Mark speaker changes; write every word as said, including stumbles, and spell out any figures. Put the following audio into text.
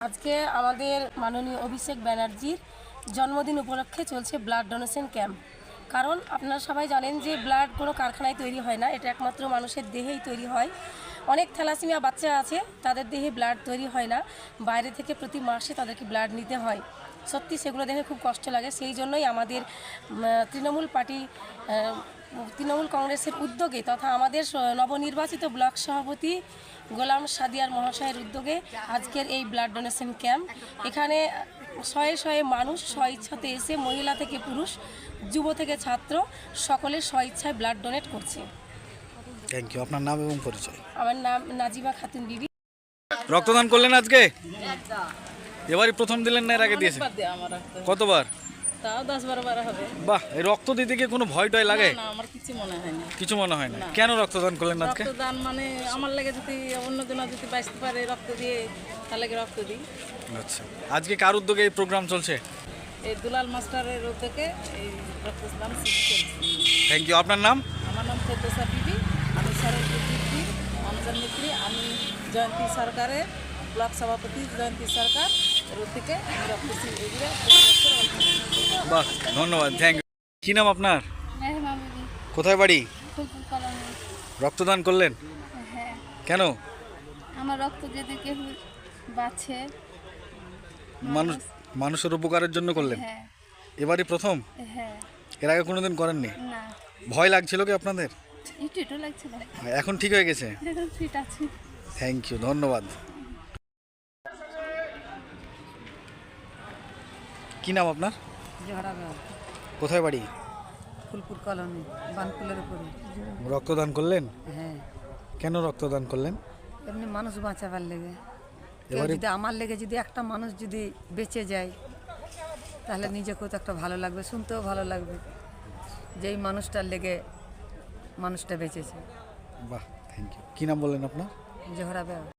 Speaker 1: আজকে আমাদের মাননীয় অভিষেক ব্যানার্জির জন্মদিন উপলক্ষে চলছে ব্লাড ডোনেশন ক্যাম্প। কারণ আপনারা সবাই জানেন যে ব্লাড কোনো কারখানায় তৈরি হয় না, এটা একমাত্র মানুষের দেহেই তৈরি হয়। অনেক থ্যালাসেমিয়া বাচ্চা আছে, তাদের দেহে ব্লাড তৈরি হয় না, বাইরে থেকে প্রতি মাসে তাদেরকে ব্লাড নিতে হয়। সত্যি সেগুলো দেখে খুব কষ্ট লাগে। সেই জন্যই আমাদের তৃণমূল পার্টি তৃণমূল কংগ্রেসের উদ্যোগে তথা আমাদের নবনির্বাচিত ব্লক সভাপতি গোলাম সাদিয়ার মহাশয়ের উদ্যোগে আজকের এই ব্লাড ডোনেশন ক্যাম্প। এখানে শয়ে শয়ে মানুষ স্বইচ্ছাতে এসে, মহিলা থেকে পুরুষ, যুব থেকে ছাত্র, সকলে স্বইচ্ছায় ব্লাড ডোনেট করছে।
Speaker 2: Thank you. আপনার নাম এবং পরিচয়?
Speaker 1: আমার নাম নাজিমা খাতুন বিবি।
Speaker 2: রক্তদান করলেন আজকে? এবারই প্রথম দিলেন না এর আগে দিয়েছেন? কতবার?
Speaker 3: তাও দশ বারো বার হবে।
Speaker 2: বাহ, এই রক্ত দিতে কি কোনো ভয় টয় লাগে?
Speaker 3: না, আমার কিছু মনে হয় না।
Speaker 2: কিছু মনে হয় না? কেন রক্তদান করলেন আজকে?
Speaker 3: রক্তদান মানে আমার লাগে যদি অন্যজন যদি বাঁচতে পারে রক্ত দিয়ে, তাহলে রক্ত দিই।
Speaker 2: আচ্ছা, আজকে কার উদ্যোগে এই প্রোগ্রাম চলছে?
Speaker 3: এই দুলাল মাস্টারের উদ্যোগে এই রক্তদান চলছে।
Speaker 2: Thank you. আপনার নাম?
Speaker 3: আমার নাম ফেরদৌসা বিবি, আমি সরস্বতী বিবি মানুষের মিত্রী। আমি জয়ন্তী সরকারের ব্লক সভাপতি জয়ন্তী সরকার এর থেকে আমি রক্ত।
Speaker 2: বাহ, ধন্যবাদ, থ্যাংক ইউ। কী নাম আপনার? কোথায় বাড়ি? রক্তদান করলেন?
Speaker 4: হ্যাঁ।
Speaker 2: কেন?
Speaker 4: আমার রক্ত যদি কেউ বাঁচে,
Speaker 2: মানুষ মানুষের উপকারের জন্য করলেন?
Speaker 4: হ্যাঁ।
Speaker 2: এবারই প্রথম?
Speaker 4: হ্যাঁ।
Speaker 2: এর আগে কোনোদিন করেননি?
Speaker 4: না,
Speaker 2: ভয় লাগছিল কি আপনাদের?
Speaker 4: একটু একটু লাগছিল।
Speaker 2: এখন ঠিক হয়ে গেছে?
Speaker 4: এখন ফিট আছে।
Speaker 2: থ্যাংক ইউ, ধন্যবাদ। কি নাম আপনার?
Speaker 3: জহরা
Speaker 2: কোথায় বাড়ি?
Speaker 3: ফুলপুর কলোনি, বানকুলের উপরে।
Speaker 2: রক্তদান করলেন?
Speaker 3: হ্যাঁ,
Speaker 2: কেন রক্তদান করলেন?
Speaker 3: এমনি মানুষ বাঁচাবার লেগে। কেউ
Speaker 2: এবারে
Speaker 3: যদি আমার লেগে যদি একটা মানুষ যদি বেঁচে যায়, তাহলে নিজেকেও তো একটা ভালো লাগবে, শুনতেও ভালো লাগবে যেই মানুষটার লেগে মানুষটা বেঁচেছে।
Speaker 2: বাহ, থ্যাংক ইউ। কি নাম বললেন আপনার?
Speaker 3: জহরা